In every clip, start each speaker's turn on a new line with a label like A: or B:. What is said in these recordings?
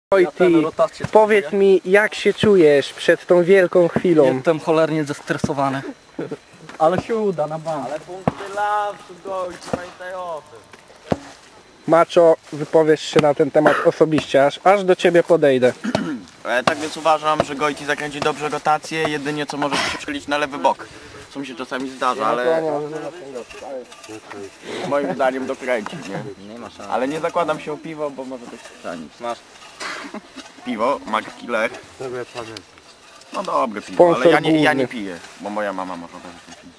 A: Wojty, powiedz mi, jak się czujesz przed tą wielką chwilą?
B: Jestem cholernie zestresowany. Ale się uda na bank.
C: Ale punkty lamsu, Gojci, pamiętaj o tym.
A: Maczo, wypowiesz się na ten temat osobiście, aż do ciebie podejdę.
C: Tak więc uważam, że Gojci zakręci dobrze rotację, jedynie co może się przychylić na lewy bok. Co mi się czasami zdarza, ale moim zdaniem dokręci, nie? Nie ma szans. Ale nie zakładam się o piwo, bo może coś schrzanić. Masz piwo, Marki Lech. No dobre piwo,
A: Sponsor
C: ale ja nie
A: główny.
C: piję, bo moja mama może też pić.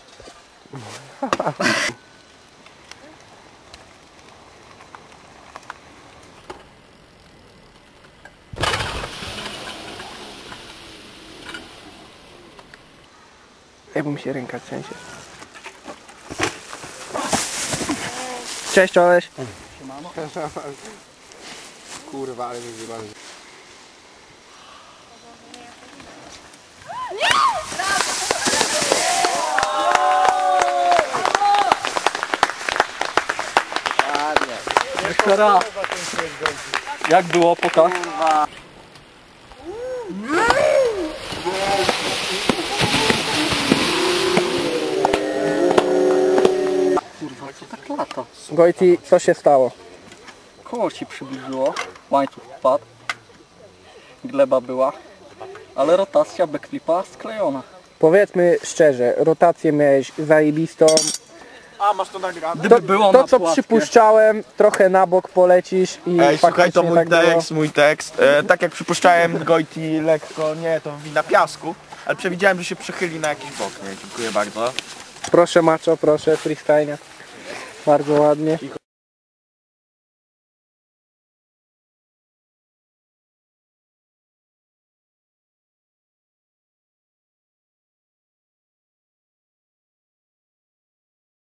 A: Jakby mi się ręka trzęsie. Cześć, Oleś.
D: Kurwa, ale wyzywamy.
B: Jeszcze raz. Jak było? Pokaż. Kurwa, co tak lata?
A: Wojty, co się stało?
B: Koło się przybliżyło, łańcuch wpadł, gleba była, ale rotacja backflipa sklejona.
A: Powiedzmy szczerze, rotację miałeś zajebistą.
C: A, masz to nagrane?
B: Gdyby było
A: To
B: na
A: co
B: płaskie.
A: przypuszczałem, trochę na bok polecisz i
C: Ej, słuchaj, to
A: faktycznie
C: mój
A: tak było.
C: tekst, mój tekst. Tak jak przypuszczałem, Gojti lekko, nie, to wina piasku, ale przewidziałem, że się przychyli na jakiś bok, nie? Dziękuję bardzo.
A: Proszę Maczo, proszę, freestyle. Bardzo ładnie.